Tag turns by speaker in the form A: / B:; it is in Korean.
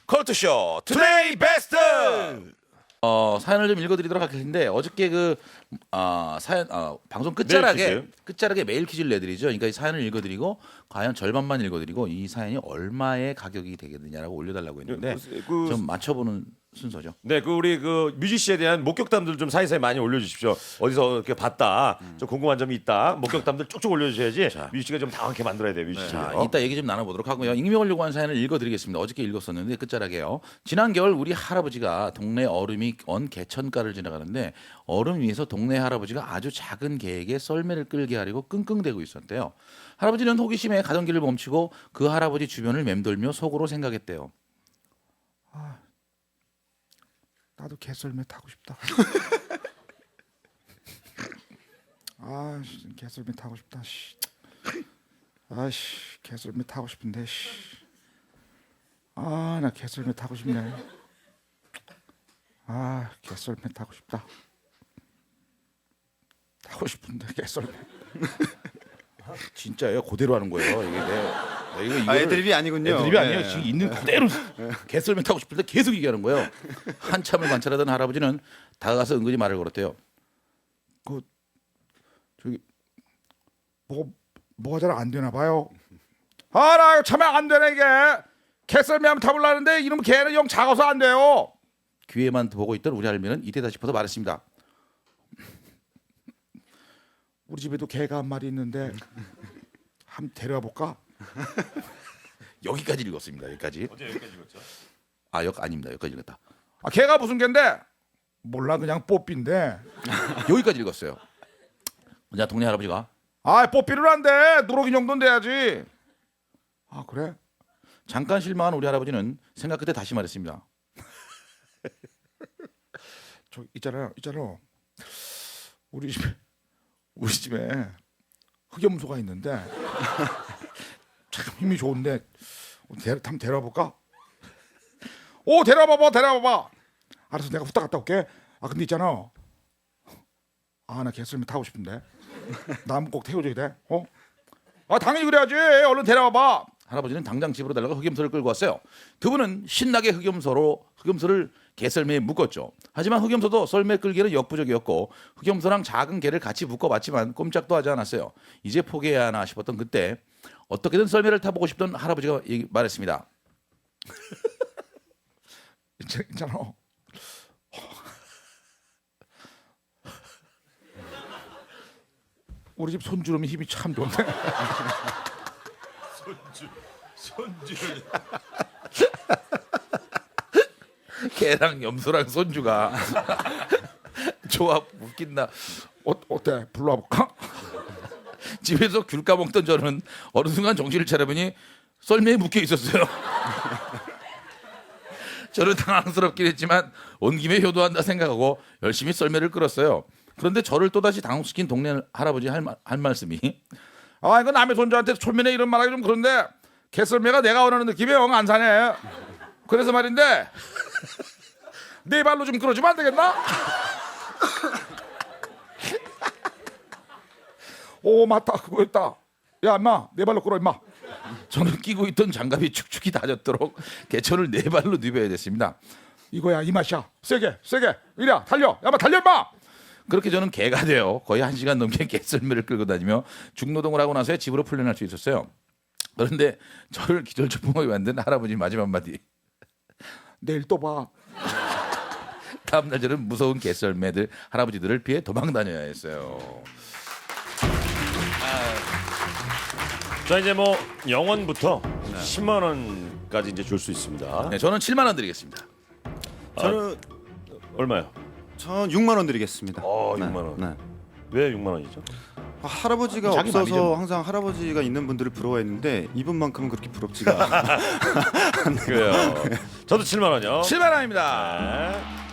A: 컬투쇼 투데이 베스트.
B: 사연을 좀 읽어드리도록 할 텐데 어저께 사연 방송 끝자락에 메일 퀴즈를 내드리죠. 그러니까 이 사연을 읽어드리고 과연 절반만 읽어드리고 이 사연이 얼마의 가격이 되겠느냐라고 올려달라고 했는데 좀 맞춰보는 순서죠.
A: 네, 우리 뮤지씨에 대한 목격담들 좀 사이사이 많이 올려주십시오. 어디서 이렇게 봤다, 좀 궁금한 점이 있다, 목격담들 쭉쭉 올려주셔야지 뮤지씨가 좀 당황하게 만들어야 돼요, 뮤지씨.
B: 자, 이따 얘기 좀 나눠보도록 하고요. 익명을 요구한 사연을 읽어드리겠습니다. 어저께 읽었었는데 끝자락에요. 지난 겨울 우리 할아버지가 동네 얼음이 언 개천가를 지나가는데 얼음 위에서 동네 할아버지가 아주 작은 개에게 썰매를 끌게 하려고 끙끙대고 있었대요. 할아버지는 호기심에 가던 길을 멈추고 그 할아버지 주변을 맴돌며 속으로 생각했대요.
C: 나도 개썰매 타고 싶다. 개썰매 타고 싶다. 개썰매 타고 싶은데. 나 개썰매 타고 싶네. 개썰매 타고 싶다. 타고 싶은데 개썰매.
B: 진짜예요? 그대로 하는 거예요. 이거
D: 애드립이 아니군요.
B: 애드립이 아니에요. 지금 있는 그대로 개썰매 타고 싶을 때 계속 얘기하는 거예요. 한참을 관찰하던 할아버지는 다가가서 은근히 말을 걸었대요.
C: 뭐가 잘 안 되나 봐요. 나 참 안 되네 이게. 개썰매 한번 타보려는데 이놈 개는 영 작아서 안 돼요.
B: 귀에만 보고 있던 우리 할머니는 이때다 싶어서 말했습니다.
C: 우리 집에도 개가 한 마리 있는데 한번 데려와 볼까?
B: 여기까지 읽었습니다. 여기까지.
A: 어제 여기까지 읽었죠?
B: 아닙니다. 여기까지 읽었다.
C: 개가 무슨 개인데? 몰라 그냥 뽀삐인데.
B: 여기까지 읽었어요. 그냥 동네 할아버지가
C: 뽀삐를 안 돼. 누룩이 정도는 돼야지. 그래?
B: 잠깐 실망한 우리 할아버지는 생각 끝에 다시 말했습니다.
C: 저 있잖아. 우리 집에 흑염소가 있는데 참 힘이 좋은데 한번 데려와 볼까? 데려와 봐봐. 알았어, 내가 후딱 갔다 올게. 근데 있잖아. 나 개썰매 타고 싶은데. 나 한번 꼭 태워줘야 돼. 당연히 그래야지. 얼른 데려와 봐.
B: 할아버지는 당장 집으로 달려가 흑염소를 끌고 왔어요. 두 분은 신나게 흑염소를 개썰매에 묶었죠. 하지만 흑염소도 썰매 끌기는 역부족이었고 흑염소랑 작은 개를 같이 묶어봤지만 꼼짝도 하지 않았어요. 이제 포기해야 하나 싶었던 그때 어떻게든 썰매를 타보고 싶던 할아버지가 말했습니다.
C: 있잖아. 우리 집 손주름이 힘이 참 좋은데.
A: 손주.
B: 개랑 염소랑 손주가 조합 웃긴다.
C: 어때? 불러와 볼까?
B: 집에서 귤 까먹던 저는 어느 순간 정신을 차려보니 썰매에 묶여 있었어요. 저는 당황스럽긴 했지만 온 김에 효도한다 생각하고 열심히 썰매를 끌었어요. 그런데 저를 또다시 당혹시킨 동네 할아버지 할 말씀이
C: 이거 남의 손주한테 촐면에 이런 말하기 좀 그런데 개썰매가 내가 원하는 느낌이 영 안 사네. 그래서 말인데 네 발로 좀 끌어주면 안 되겠나? 맞다, 그거였다. 야 임마, 네 발로 끌어 임마.
B: 저는 끼고 있던 장갑이 축축이 다졌도록 개천을 네 발로 누벼야 됐습니다.
C: 이거야 이 맛이야. 세게 이리 달려. 야마 달려 임마.
B: 그렇게 저는 개가 되어 거의 1시간 넘게 개썰매를 끌고 다니며 중노동을 하고 나서야 집으로 풀려날 수 있었어요. 그런데 저를 기절초풍하게 만든 할아버지 마지막 한마디.
C: 내일 또 봐.
B: 다음날 저는 무서운 개썰매들 할아버지들을 피해 도망 다녀야 했어요.
A: 자, 이제 영원부터 10만 원까지 이제 줄 수 있습니다.
B: 네, 저는 7만 원 드리겠습니다.
D: 저는
A: 얼마요?
D: 전 6만 원 드리겠습니다.
A: 6만 원.
D: 네.
A: 왜 6만 원이죠?
D: 할아버지가
B: 자기
D: 없어서
B: 맘이죠.
D: 항상 할아버지가 있는 분들을 부러워했는데 이분만큼은 그렇게 부럽지가 않아요.
A: 그래요. 저도 7만 원이요.
B: 7만 원입니다.
A: 네.